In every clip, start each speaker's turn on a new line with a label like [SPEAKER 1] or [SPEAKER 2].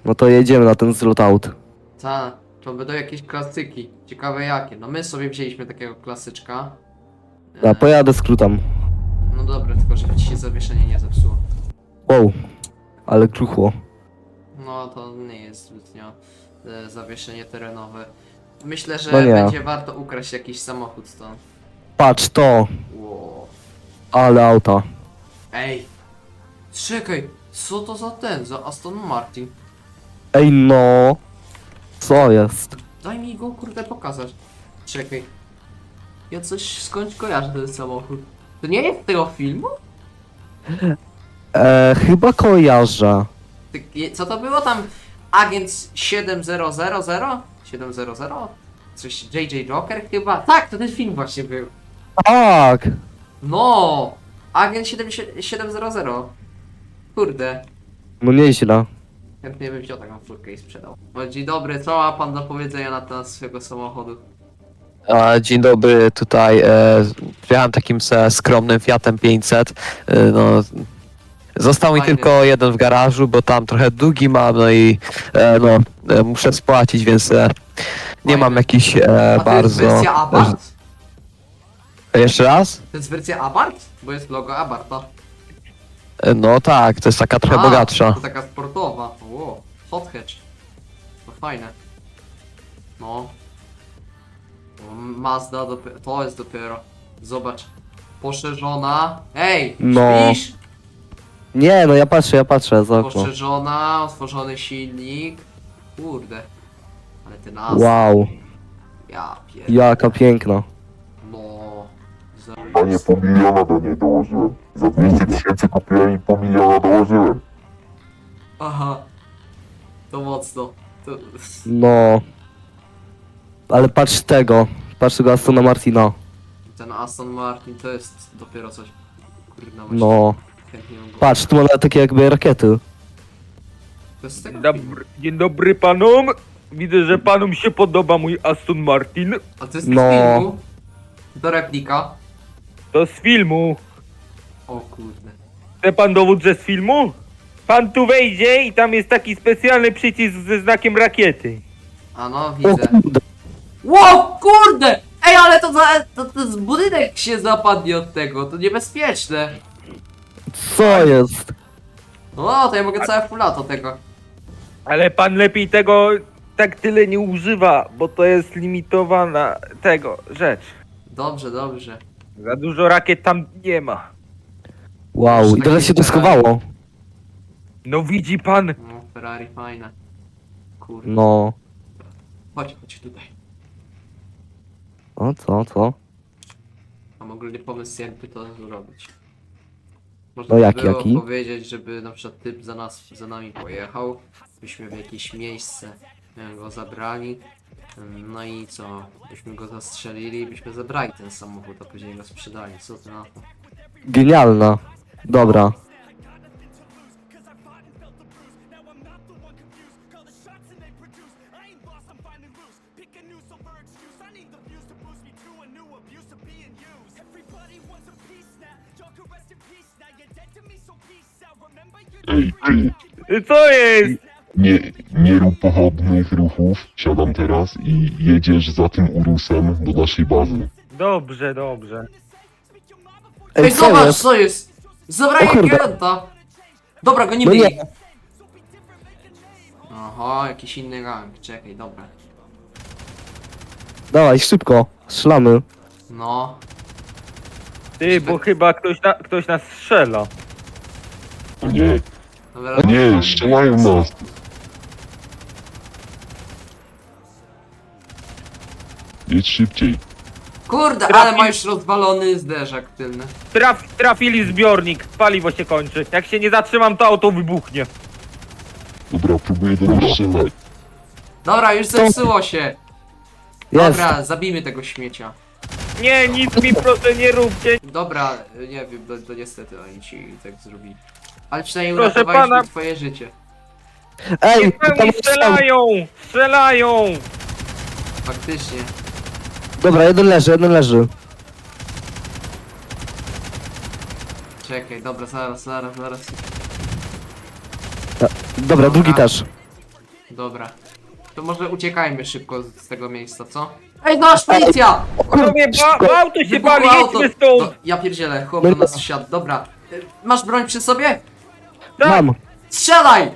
[SPEAKER 1] No to jedziemy na ten zlot out.
[SPEAKER 2] Ta, to będą jakieś klasyki. Ciekawe jakie. No my sobie wzięliśmy takiego klasyczka.
[SPEAKER 1] Ja pojadę skrótem.
[SPEAKER 2] No dobra, tylko żeby ci się zawieszenie nie zepsuło.
[SPEAKER 1] Wow, ale kruchło.
[SPEAKER 2] No to nie jest zbytnio zawieszenie terenowe. Myślę, że
[SPEAKER 1] No nie.
[SPEAKER 2] będzie warto ukraść jakiś samochód stąd.
[SPEAKER 1] Patrz to,
[SPEAKER 2] Wow.
[SPEAKER 1] ale auta.
[SPEAKER 2] Ej! Czekaj! Co to za za Aston Martin?
[SPEAKER 1] Ej no, co jest?
[SPEAKER 2] Daj mi go kurde pokazać. Czekaj. Ja coś skądś kojarzę ten samochód. To nie jest z tego filmu?
[SPEAKER 1] Chyba kojarzę.
[SPEAKER 2] Co to było tam? Agent 7000? 700? Coś JJ Joker chyba? Tak, to ten film właśnie był.
[SPEAKER 1] Tak,
[SPEAKER 2] No! Agent 700. Kurde.
[SPEAKER 1] no nieźle.
[SPEAKER 2] Chętnie bym wziął taką furkę i sprzedał. O, dzień dobry, co ma pan do powiedzenia na temat swojego samochodu?
[SPEAKER 3] Dzień dobry, tutaj przyjechałem takim skromnym Fiatem 500. No, został mi
[SPEAKER 2] Fajny.
[SPEAKER 3] tylko jeden w garażu, bo tam trochę długi mam, no i muszę spłacić, więc nie mam
[SPEAKER 2] Fajny.
[SPEAKER 3] jakichś
[SPEAKER 2] A to jest
[SPEAKER 3] bardzo...
[SPEAKER 2] wersja Abarth?
[SPEAKER 3] Jeszcze raz?
[SPEAKER 2] To jest wersja Abarth? Bo jest logo Abartha.
[SPEAKER 3] No tak, to jest taka trochę bogatsza.
[SPEAKER 2] To taka sportowa. Wow, hot hatch. To fajne. No. O, Mazda to jest dopiero. Zobacz. Poszerzona. Ej!
[SPEAKER 1] No.
[SPEAKER 2] Śpisz?
[SPEAKER 1] Nie, no ja patrzę za okno.
[SPEAKER 2] Poszerzona, otworzony silnik. Kurde. Ale ty nas.
[SPEAKER 1] Wow,
[SPEAKER 2] Ja pier...
[SPEAKER 1] jaka piękna.
[SPEAKER 2] No. Za...
[SPEAKER 4] A nie pół miliona do niej dołożyłem. Za 200 tysięcy kupiłem i pół miliona dołożyłem.
[SPEAKER 2] Aha. To mocno. To...
[SPEAKER 1] No. Ale patrz tego, patrz tego Astona Martina.
[SPEAKER 2] Ten Aston Martin to jest dopiero coś. Kurde,
[SPEAKER 1] No.
[SPEAKER 2] chętnie bym go...
[SPEAKER 1] Patrz, tu ma nawet takie jakby rakiety.
[SPEAKER 2] To jest z tego filmu.
[SPEAKER 5] Dzień dobry panom. Widzę, że panom się podoba mój Aston Martin.
[SPEAKER 2] A to jest
[SPEAKER 1] No.
[SPEAKER 2] z filmu? To replika?
[SPEAKER 5] To z filmu.
[SPEAKER 2] O kurde.
[SPEAKER 5] Chce pan dowód, że z filmu? Pan tu wejdzie i tam jest taki specjalny przycisk ze znakiem rakiety.
[SPEAKER 2] A no,
[SPEAKER 1] O
[SPEAKER 2] widzę.
[SPEAKER 1] kurde.
[SPEAKER 2] Ło, kurde! Ej, ale to z budynek się zapadnie od tego, to niebezpieczne.
[SPEAKER 1] Co jest?
[SPEAKER 2] O, to ja mogę całe full lato tego.
[SPEAKER 5] Ale pan lepiej tego tak tyle nie używa, bo to jest limitowana tego rzecz.
[SPEAKER 2] Dobrze, dobrze.
[SPEAKER 5] Za dużo rakiet tam nie ma.
[SPEAKER 1] Wow, i teraz się to schowało.
[SPEAKER 5] No widzi pan?
[SPEAKER 2] No, Ferrari fajne. Kurde.
[SPEAKER 1] No.
[SPEAKER 2] Chodź tutaj.
[SPEAKER 1] O, co?
[SPEAKER 2] Mam ogólnie pomysł, jakby to zrobić. Można
[SPEAKER 1] No
[SPEAKER 2] by
[SPEAKER 1] jaki,
[SPEAKER 2] było
[SPEAKER 1] jaki?
[SPEAKER 2] powiedzieć, żeby na przykład typ za nami pojechał, byśmy w jakieś miejsce go zabrali, no i co, byśmy go zastrzelili, byśmy zabrali ten samochód, a później go sprzedali, co ty na to?
[SPEAKER 1] Genialna. Dobra.
[SPEAKER 5] Co jest?
[SPEAKER 4] Nie rób pochodnych ruchów. Siadam teraz i jedziesz za tym Urusem do naszej bazy.
[SPEAKER 5] Dobrze, dobrze.
[SPEAKER 2] Ej,
[SPEAKER 1] co
[SPEAKER 2] zobacz,
[SPEAKER 1] jest?
[SPEAKER 2] co jest! Zabrali
[SPEAKER 1] O kurde.
[SPEAKER 2] klienta! Dobra, go nie
[SPEAKER 1] No
[SPEAKER 2] byli.
[SPEAKER 1] nie.
[SPEAKER 2] Aha, jakiś inny gang, czekaj, dobra.
[SPEAKER 1] Dawaj, szybko. Strzelamy.
[SPEAKER 2] No,
[SPEAKER 5] Ty, bo chyba ktoś nas strzela.
[SPEAKER 4] O nie,
[SPEAKER 2] dobra.
[SPEAKER 4] nie, strzelają nas. Jedź szybciej.
[SPEAKER 2] Kurde,
[SPEAKER 5] Trafi-
[SPEAKER 2] ale ma już rozwalony zderzak tylny.
[SPEAKER 5] Trafili zbiornik, paliwo się kończy. Jak się nie zatrzymam, to auto wybuchnie.
[SPEAKER 4] Dobra, próbuję do nich strzelać.
[SPEAKER 2] Dobra, już zepsuło się.
[SPEAKER 1] Jest.
[SPEAKER 2] Dobra, zabijmy tego śmiecia.
[SPEAKER 5] Nie, nic mi proszę nie róbcie.
[SPEAKER 2] Dobra, nie wiem, to niestety oni ci tak zrobili. Ale przynajmniej
[SPEAKER 5] Proszę
[SPEAKER 2] uratowaliśmy
[SPEAKER 5] pana-
[SPEAKER 2] twoje życie.
[SPEAKER 1] Ej,
[SPEAKER 5] Niech
[SPEAKER 1] tam
[SPEAKER 5] pełni strzelają! Strzelają!
[SPEAKER 2] Faktycznie.
[SPEAKER 1] Dobra, jeden leży.
[SPEAKER 2] Czekaj, dobra, zaraz.
[SPEAKER 1] Dobra, drugi też.
[SPEAKER 2] Dobra. To może uciekajmy szybko z tego miejsca, co? Ej, nasz policja!
[SPEAKER 5] Panowie, auto się
[SPEAKER 2] Wybuchło
[SPEAKER 5] pali,
[SPEAKER 2] auto.
[SPEAKER 5] jedźmy stąd!
[SPEAKER 2] No, ja pierdzielę, chłop do nas wsiadł. Dobra. Masz broń przy sobie?
[SPEAKER 5] Tak.
[SPEAKER 1] Mam.
[SPEAKER 2] Strzelaj!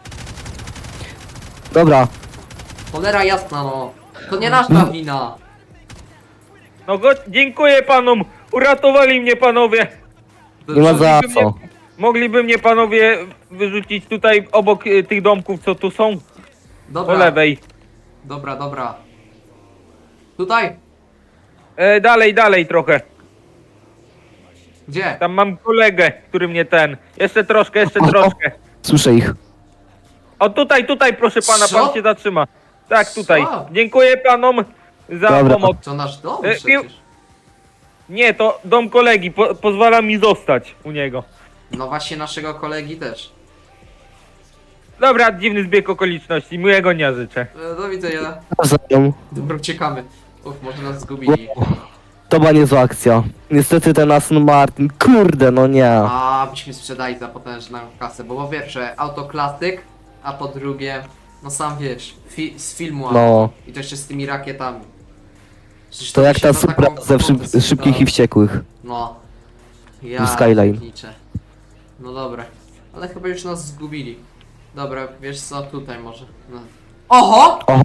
[SPEAKER 1] Dobra.
[SPEAKER 2] Cholera jasna, no. To nie nasza wina.
[SPEAKER 5] No dziękuję panom, uratowali mnie panowie.
[SPEAKER 1] Nie ma za
[SPEAKER 5] Mogliby
[SPEAKER 1] co.
[SPEAKER 5] mnie- Mogliby mnie panowie wyrzucić tutaj obok tych domków, co tu są, po
[SPEAKER 2] Dobra,
[SPEAKER 5] lewej.
[SPEAKER 2] dobra, dobra. Tutaj?
[SPEAKER 5] Dalej trochę.
[SPEAKER 2] Gdzie?
[SPEAKER 5] Tam mam kolegę, który mnie Jeszcze troszkę.
[SPEAKER 1] Słyszę ich.
[SPEAKER 5] O tutaj proszę pana,
[SPEAKER 2] Co?
[SPEAKER 5] pan się zatrzyma. Tak, tutaj.
[SPEAKER 2] Co?
[SPEAKER 5] Dziękuję panom za
[SPEAKER 1] Dobra.
[SPEAKER 5] pomoc.
[SPEAKER 2] To nasz dom
[SPEAKER 5] E,
[SPEAKER 2] przecież.
[SPEAKER 5] Nie, to dom kolegi, pozwala mi zostać u niego.
[SPEAKER 2] No właśnie naszego kolegi też.
[SPEAKER 5] Dobra, dziwny zbieg okoliczności, miłego dnia życzę.
[SPEAKER 2] Do widzenia.
[SPEAKER 1] Nawzajem.
[SPEAKER 2] Dobra, uciekamy. Może nas zgubili.
[SPEAKER 1] To była niezła akcja. Niestety ten Aston Martin, kurde, no nie.
[SPEAKER 2] A, byśmy sprzedali za potężną kasę, bo po pierwsze auto klasyk, a po drugie, no sam wiesz, z filmu auto.
[SPEAKER 1] No.
[SPEAKER 2] I to jeszcze z tymi rakietami. Przecież
[SPEAKER 1] To
[SPEAKER 2] by
[SPEAKER 1] jak
[SPEAKER 2] się
[SPEAKER 1] ta
[SPEAKER 2] na
[SPEAKER 1] supra
[SPEAKER 2] taką
[SPEAKER 1] ze
[SPEAKER 2] kwotę
[SPEAKER 1] szybkich i
[SPEAKER 2] sprzedało.
[SPEAKER 1] wściekłych.
[SPEAKER 2] No. Ja
[SPEAKER 1] Skyline.
[SPEAKER 2] pierniczę. No dobra, ale chyba już nas zgubili. Dobra, wiesz co, tutaj może. No. Oho!
[SPEAKER 1] Oho.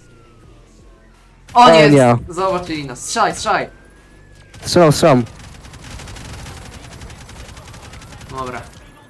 [SPEAKER 2] O nie,
[SPEAKER 1] nie.
[SPEAKER 2] zobaczyli nas. Strzelaj!
[SPEAKER 1] Strzelam.
[SPEAKER 2] Dobra.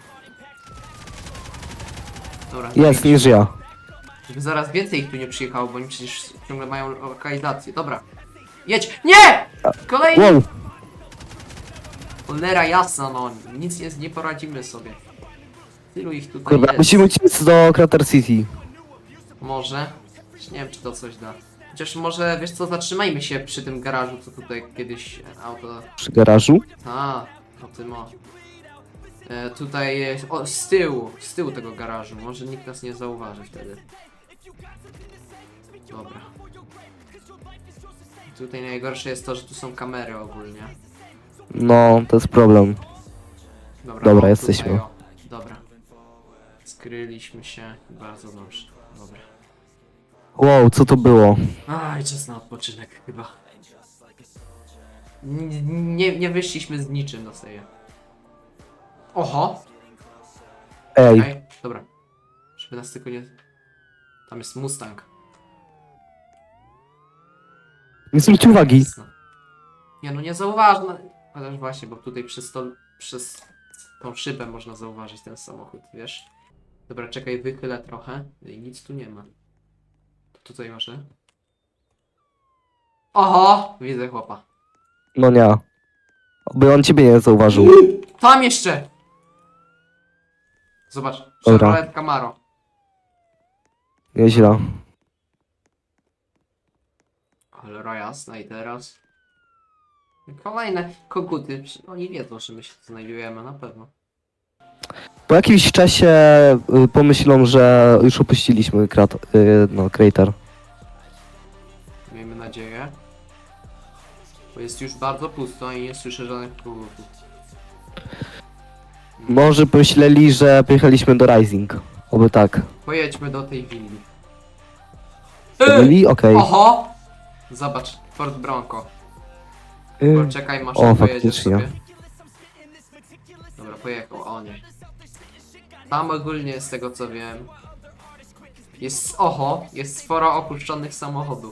[SPEAKER 2] Dobra.
[SPEAKER 1] Jest, nie żyje.
[SPEAKER 2] Żeby zaraz więcej ich tu nie przyjechało, bo oni przecież ciągle mają lokalizację. Dobra. Jedź! Nie! Kolejny!
[SPEAKER 1] Wow.
[SPEAKER 2] Cholera jasna, no. Nic nie poradzimy sobie. Tylu ich tutaj
[SPEAKER 1] Dobra,
[SPEAKER 2] jest.
[SPEAKER 1] musimy uciec do Crater City.
[SPEAKER 2] Może. Nie wiem, czy to coś da. Chociaż może, wiesz co, zatrzymajmy się przy tym garażu, co tutaj kiedyś auto...
[SPEAKER 1] Przy garażu.
[SPEAKER 2] A, o tym o. Tutaj jest, o, z tyłu tego garażu. Może nikt nas nie zauważy wtedy. Dobra. Tutaj najgorsze jest to, że tu są kamery ogólnie.
[SPEAKER 1] No, to jest problem. Dobra,
[SPEAKER 2] o,
[SPEAKER 1] jesteśmy.
[SPEAKER 2] Tutaj, o. Dobra. Skryliśmy się. Bardzo dobrze. Dobra.
[SPEAKER 1] Wow, co to było?
[SPEAKER 2] Aj, czas na odpoczynek chyba. Nie wyszliśmy z niczym do seje. Oho!
[SPEAKER 1] Ej,
[SPEAKER 2] Okej, dobra. Żeby nas tylko nie... Tam jest Mustang.
[SPEAKER 1] nie zwróćcie uwagi.
[SPEAKER 2] Jasne. Nie no, nie zauważno. Chociaż właśnie, bo tutaj przez tą szybę można zauważyć ten samochód, wiesz? Dobra, czekaj, wychylę trochę. I nic tu nie ma. To tutaj masz. Oho! Widzę chłopa.
[SPEAKER 1] No nie. Oby on ciebie nie zauważył.
[SPEAKER 2] Tam jeszcze! Zobacz,
[SPEAKER 1] Dobra.
[SPEAKER 2] Chevrolet Camaro.
[SPEAKER 1] Nieźle.
[SPEAKER 2] Cholera jasna i teraz... Kolejne koguty. Oni wiedzą, że my się tu znajdujemy, na pewno.
[SPEAKER 1] Po jakimś czasie pomyślą, że już opuściliśmy Crater.
[SPEAKER 2] Miejmy nadzieję. Bo jest już bardzo pusto i nie słyszę żadnych kogutów.
[SPEAKER 1] Może pomyśleli, że pojechaliśmy do Rising. Oby tak.
[SPEAKER 2] Pojedźmy do tej willi.
[SPEAKER 1] Byli? Okej.
[SPEAKER 2] Oho! Zobacz, Ford Bronco. Poczekaj, masz
[SPEAKER 1] O,
[SPEAKER 2] pojedzie
[SPEAKER 1] faktycznie.
[SPEAKER 2] sobie. Dobra, pojechał, o nie. Tam ogólnie z tego co wiem jest sporo opuszczonych samochodów.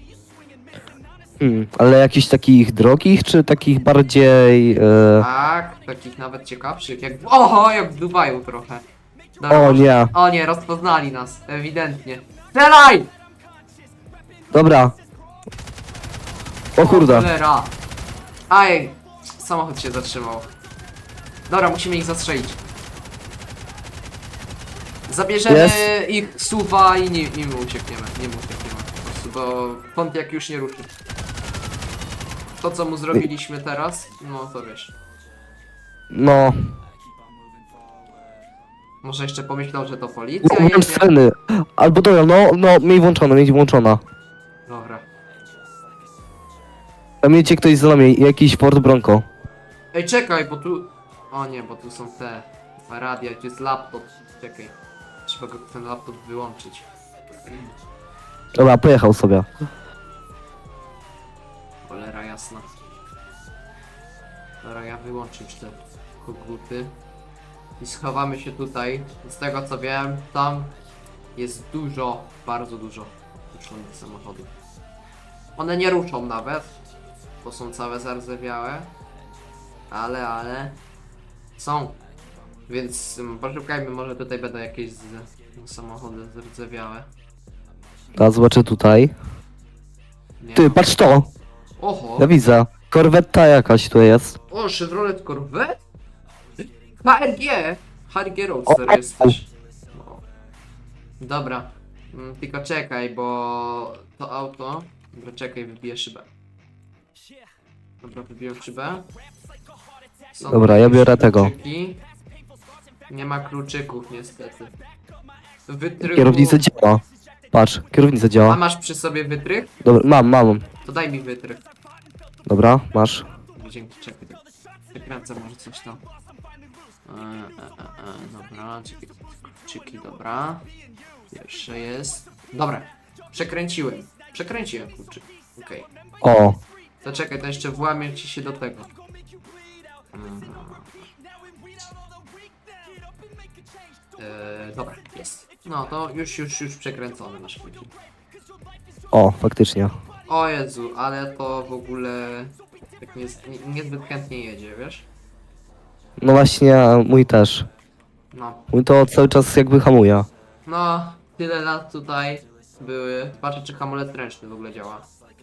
[SPEAKER 1] Ale jakichś takich drogich, czy takich bardziej...
[SPEAKER 2] Tak, takich nawet ciekawszych, jak... Oho, jak w Dubaju trochę. Dobra,
[SPEAKER 1] O
[SPEAKER 2] może-
[SPEAKER 1] nie.
[SPEAKER 2] O nie, rozpoznali nas, ewidentnie. Strzelaj!
[SPEAKER 1] Dobra. O kurde.
[SPEAKER 2] Cholera. Aj, samochód się zatrzymał. Dobra, musimy ich zastrzelić. Zabierzemy
[SPEAKER 1] Jest.
[SPEAKER 2] ich suwa i nim uciekniemy. Po prostu, bo Pontiac już nie ruszy. To co mu zrobiliśmy teraz, no to wiesz.
[SPEAKER 1] No.
[SPEAKER 2] Może jeszcze pomyślał, że to policja
[SPEAKER 1] Mam
[SPEAKER 2] jedzie.
[SPEAKER 1] sceny. Albo dobra, no, miej włączona.
[SPEAKER 2] Dobra.
[SPEAKER 1] Tam jedzie ktoś za nami, jakiś Ford Bronco.
[SPEAKER 2] Ej, czekaj, bo tu... O nie, bo tu są te radia, tu jest laptop. Czekaj. Trzeba ten laptop wyłączyć.
[SPEAKER 1] Dobra, pojechał sobie.
[SPEAKER 2] Cholera jasna. Dobra, ja wyłączę już te koguty. I schowamy się tutaj. Z tego co wiem, tam jest dużo, bardzo dużo ruszonych samochodów. One nie ruszą nawet, bo są całe zardzewiałe. Ale są. Więc poszukajmy, może tutaj będą jakieś samochody zardzewiałe.
[SPEAKER 1] Teraz zobaczę tutaj.
[SPEAKER 2] Nie
[SPEAKER 1] Ty,
[SPEAKER 2] ma.
[SPEAKER 1] patrz to!
[SPEAKER 2] Oho!
[SPEAKER 1] Ja widzę. Korwetta jakaś tu jest.
[SPEAKER 2] O, Chevrolet Corvette? HRG! HRG Roadster
[SPEAKER 1] O,
[SPEAKER 2] jesteś. No. Dobra. Tylko czekaj, bo to auto... Dobra, czekaj, wybiję szybę. Dobra, wybiję szybę. Są
[SPEAKER 1] Dobra, ja biorę tego.
[SPEAKER 2] kluczyki. Nie ma kluczyków niestety. Wytrychu...
[SPEAKER 1] Kierownica działa. Patrz, kierownica
[SPEAKER 2] A
[SPEAKER 1] działa.
[SPEAKER 2] masz przy sobie wytrych?
[SPEAKER 1] Dobra, mam.
[SPEAKER 2] To daj mi wytrych.
[SPEAKER 1] Dobra, masz.
[SPEAKER 2] Dzięki, czekaj. Wykręcę może coś tam. Dobra, czekaj. Kluczyki, dobra. Pierwsze jest. Dobra, przekręciłem. Przekręciłem kluczyk. Okej.
[SPEAKER 1] O,
[SPEAKER 2] To czekaj, to jeszcze włamię ci się do tego. Dobra, jest. No to już przekręcony nasz kluczyk.
[SPEAKER 1] o, faktycznie.
[SPEAKER 2] O Jezu, ale to w ogóle tak niezbyt chętnie jedzie, wiesz?
[SPEAKER 1] No właśnie, mój też.
[SPEAKER 2] No.
[SPEAKER 1] Mój to cały czas jakby hamuje.
[SPEAKER 2] No, tyle lat tutaj były. Patrzę, czy hamulec ręczny w ogóle działa.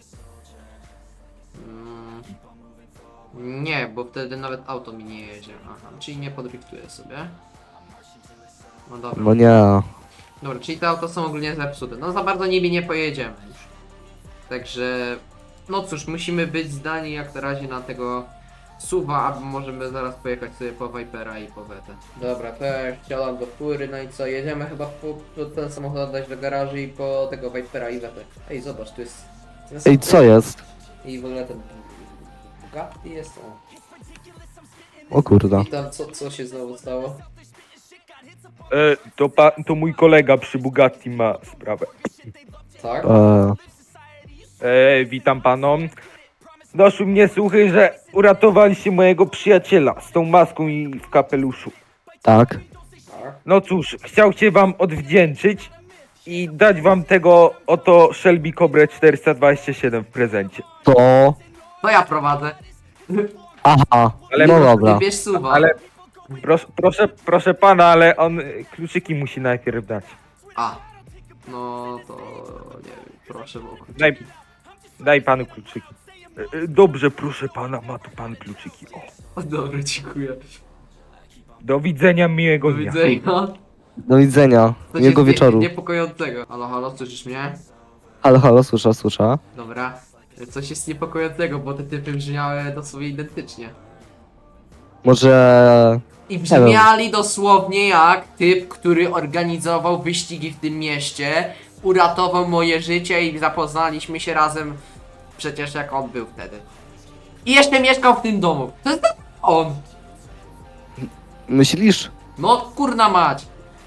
[SPEAKER 2] Nie, bo wtedy nawet auto mi nie jedzie. Aha, czyli nie podriftuję sobie. No dobra.
[SPEAKER 1] No nie.
[SPEAKER 2] Dobra, czyli te auto są ogólnie zepsute. No za bardzo nimi nie pojedziemy już. Także... No cóż, musimy być zdani jak na razie na tego SUV-a, albo możemy zaraz pojechać sobie po Vipera i po Vetę. Dobra, to ja wsiadam do fury, no i co, jedziemy chyba po ten samochód oddać do garażu i po tego Vipera i Vetę. Ej, zobacz, tu jest... ten
[SPEAKER 1] Ej,
[SPEAKER 2] samochód.
[SPEAKER 1] co jest?
[SPEAKER 2] I w ogóle ten... Bugatti jest on.
[SPEAKER 1] O kurde.
[SPEAKER 2] I tam co się znowu stało?
[SPEAKER 5] To mój kolega przy Bugatti ma sprawę.
[SPEAKER 2] Tak?
[SPEAKER 5] Witam panom. Doszły mnie słuchy, że uratowaliście mojego przyjaciela z tą maską i w kapeluszu.
[SPEAKER 1] Tak.
[SPEAKER 2] Tak.
[SPEAKER 5] No cóż, chciał się wam odwdzięczyć i dać wam tego oto Shelby Cobra 427 w prezencie.
[SPEAKER 1] To...
[SPEAKER 2] To ja prowadzę.
[SPEAKER 1] Aha,
[SPEAKER 5] Ale
[SPEAKER 1] no
[SPEAKER 5] po-
[SPEAKER 1] dobra.
[SPEAKER 2] Wybierz suwa.
[SPEAKER 5] Ale proszę pana, ale on kluczyki musi najpierw dać.
[SPEAKER 2] A. No to... nie wiem, proszę o kluczyki.
[SPEAKER 5] Daj panu kluczyki. Dobrze, proszę pana, ma tu pan kluczyki. O.
[SPEAKER 2] O, dobra, dziękuję.
[SPEAKER 5] Do widzenia, miłego
[SPEAKER 2] Do
[SPEAKER 5] dnia.
[SPEAKER 2] widzenia.
[SPEAKER 1] Do widzenia.
[SPEAKER 2] Coś
[SPEAKER 1] Miłego
[SPEAKER 2] jest
[SPEAKER 1] wieczoru.
[SPEAKER 2] niepokojącego. Halo, halo, słyszysz mnie?
[SPEAKER 1] Halo, słyszę.
[SPEAKER 2] Dobra. Coś jest niepokojącego, bo te typy brzmiały dosłownie identycznie.
[SPEAKER 1] Może...
[SPEAKER 2] I brzmiali dosłownie jak typ, który organizował wyścigi w tym mieście, uratował moje życie i zapoznaliśmy się razem przecież jak on był wtedy. I jeszcze mieszkał w tym domu. To jest on.
[SPEAKER 1] Myślisz?
[SPEAKER 2] No kurna mać.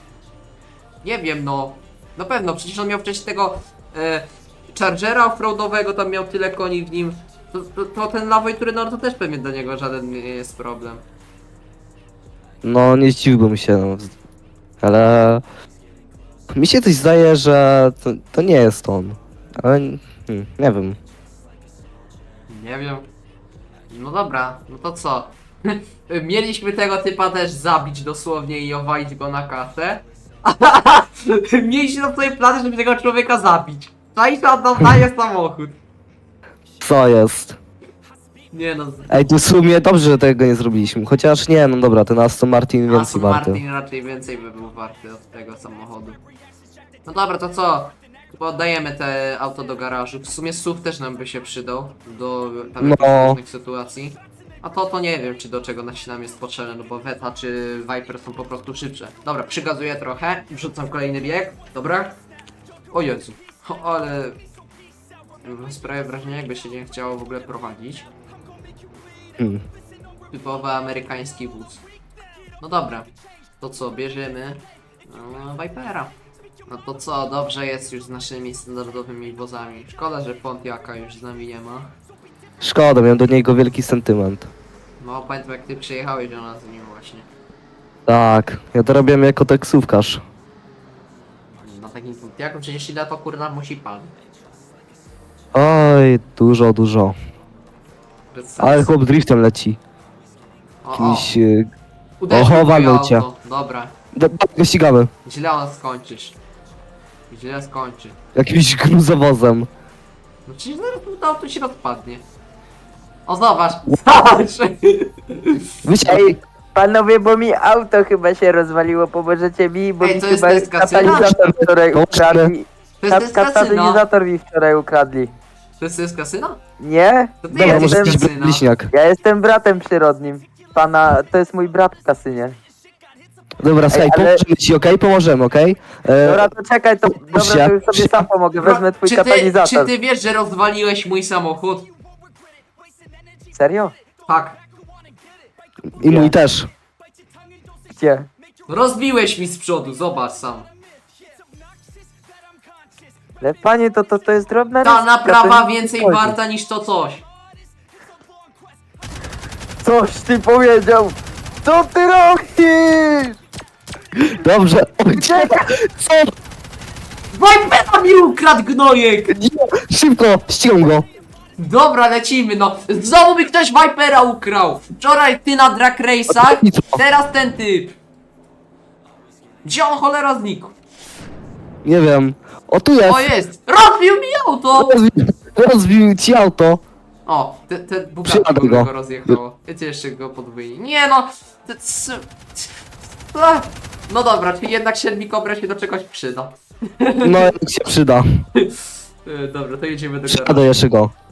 [SPEAKER 2] Nie wiem no. Na pewno, przecież on miał wcześniej tego Chargera offroadowego, tam miał tyle koni w nim. To ten Lawoj Turenor to też pewnie dla niego żaden nie jest problem.
[SPEAKER 1] No, nie zdziwiłbym się, no. Ale... Mi się coś zdaje, że to nie jest on. Ale... nie wiem.
[SPEAKER 2] Nie wiem. No dobra, no to co? Mieliśmy tego typa też zabić dosłownie i owalić go na kasę. Mieliśmy na sobie plany, żeby tego człowieka zabić. Czaisz, oddam daje samochód.
[SPEAKER 1] Co jest?
[SPEAKER 2] Nie no,
[SPEAKER 1] Ej, tu w sumie dobrze, że tego nie zrobiliśmy. Chociaż nie, no dobra, ten Aston Martin więcej
[SPEAKER 2] Aston
[SPEAKER 1] warty.
[SPEAKER 2] Martin raczej więcej by był warty od tego samochodu. No dobra, to co? Chyba oddajemy te auto do garażu. W sumie SUV też nam by się przydał do tam
[SPEAKER 1] No.
[SPEAKER 2] jakichś różnych sytuacji. A to nie wiem, czy do czego nam jest potrzebne, no bo Veta czy Viper są po prostu szybsze. Dobra, przygazuję trochę, wrzucam kolejny bieg, dobra? O Jezu, ale... Sprawia wrażenie, jakby się nie chciało w ogóle prowadzić.
[SPEAKER 1] Hmm.
[SPEAKER 2] Typowy amerykański wóz. No dobra, to co, bierzemy Vipera. No to co, dobrze jest już z naszymi standardowymi wozami. Szkoda, że Pontiaka już z nami nie ma.
[SPEAKER 1] Szkoda, miałem do niego wielki sentyment.
[SPEAKER 2] No pamiętam jak ty przyjechałeś do nas z nim właśnie.
[SPEAKER 1] Tak, ja to robiłem jako taksówkarz.
[SPEAKER 2] Na takim Pontiaku przecież ile to kurna musi pan.
[SPEAKER 1] Oj, dużo, dużo.
[SPEAKER 2] Bez sensu.
[SPEAKER 1] Ale chłop driftem leci.
[SPEAKER 2] O,
[SPEAKER 1] Jakimś...
[SPEAKER 2] uderzył
[SPEAKER 1] Oho,
[SPEAKER 2] w moje
[SPEAKER 1] walnął cię.
[SPEAKER 2] auto. Dobra,
[SPEAKER 1] Go ścigamy.
[SPEAKER 2] źle on skończysz. Źle skończy.
[SPEAKER 1] Jakimś gruzowozem.
[SPEAKER 2] No przecież zaraz to auto się rozpadnie. O zobacz, zobacz!
[SPEAKER 1] Wiecie,
[SPEAKER 6] Ej, panowie, bo mi auto chyba się rozwaliło, pomożecie mi, bo
[SPEAKER 2] Ej,
[SPEAKER 6] mi
[SPEAKER 2] to jest
[SPEAKER 6] chyba
[SPEAKER 2] test kasyna?
[SPEAKER 6] katalizator wczoraj
[SPEAKER 1] Pomożemy.
[SPEAKER 6] ukradli.
[SPEAKER 2] To jest kasyna!
[SPEAKER 6] Katalizator mi wczoraj ukradli.
[SPEAKER 2] To jest kasyna?
[SPEAKER 6] Nie?
[SPEAKER 2] To ty
[SPEAKER 1] dobra,
[SPEAKER 2] jesteś
[SPEAKER 1] może jakiś
[SPEAKER 2] kasyna.
[SPEAKER 1] bliźniak.
[SPEAKER 6] Ja jestem bratem przyrodnim. Pana, to jest mój brat w kasynie.
[SPEAKER 1] Dobra, słuchaj,
[SPEAKER 6] ale-
[SPEAKER 1] pomożemy ci, okej? Pomożemy, okej?
[SPEAKER 6] Dobra, to czekaj, to dobra, to już sobie sam pomogę, wezmę twój
[SPEAKER 2] Czy
[SPEAKER 6] katalizator.
[SPEAKER 2] ty wiesz, że rozwaliłeś mój samochód?
[SPEAKER 6] Serio?
[SPEAKER 2] Tak.
[SPEAKER 1] I mój też.
[SPEAKER 6] Gdzie?
[SPEAKER 2] Rozbiłeś mi z przodu, zobacz sam.
[SPEAKER 6] Ale panie, to jest drobna
[SPEAKER 2] Ta
[SPEAKER 6] ryzyka,
[SPEAKER 2] naprawa
[SPEAKER 6] to nie
[SPEAKER 2] więcej
[SPEAKER 6] chodzi.
[SPEAKER 2] warta niż to coś.
[SPEAKER 6] Coś ty powiedział! Co ty robisz?
[SPEAKER 1] Dobrze. Co?
[SPEAKER 2] Vipera mi ukradł gnojek!
[SPEAKER 1] Nie, szybko, ścigam go.
[SPEAKER 2] Dobra, lecimy no. Znowu mi ktoś Vipera ukrał. Wczoraj ty na drag race'ach,
[SPEAKER 1] I co?
[SPEAKER 2] teraz ten typ. Gdzie on cholera znikł?
[SPEAKER 1] Nie wiem. O, tu jest.
[SPEAKER 2] O jest! Rozbił mi auto!
[SPEAKER 1] Rozbił ci auto.
[SPEAKER 2] O, te Bugatti
[SPEAKER 1] Przyjadę go.
[SPEAKER 2] go rozjechało. Wiecie, jeszcze go podwójnie. Nie no! No dobra, czyli jednak Shelby Cobra się do czegoś przyda.
[SPEAKER 1] No, jak się przyda.
[SPEAKER 2] Dobra, to jedziemy do
[SPEAKER 1] Przyjadę
[SPEAKER 2] garażu.
[SPEAKER 1] jeszcze go.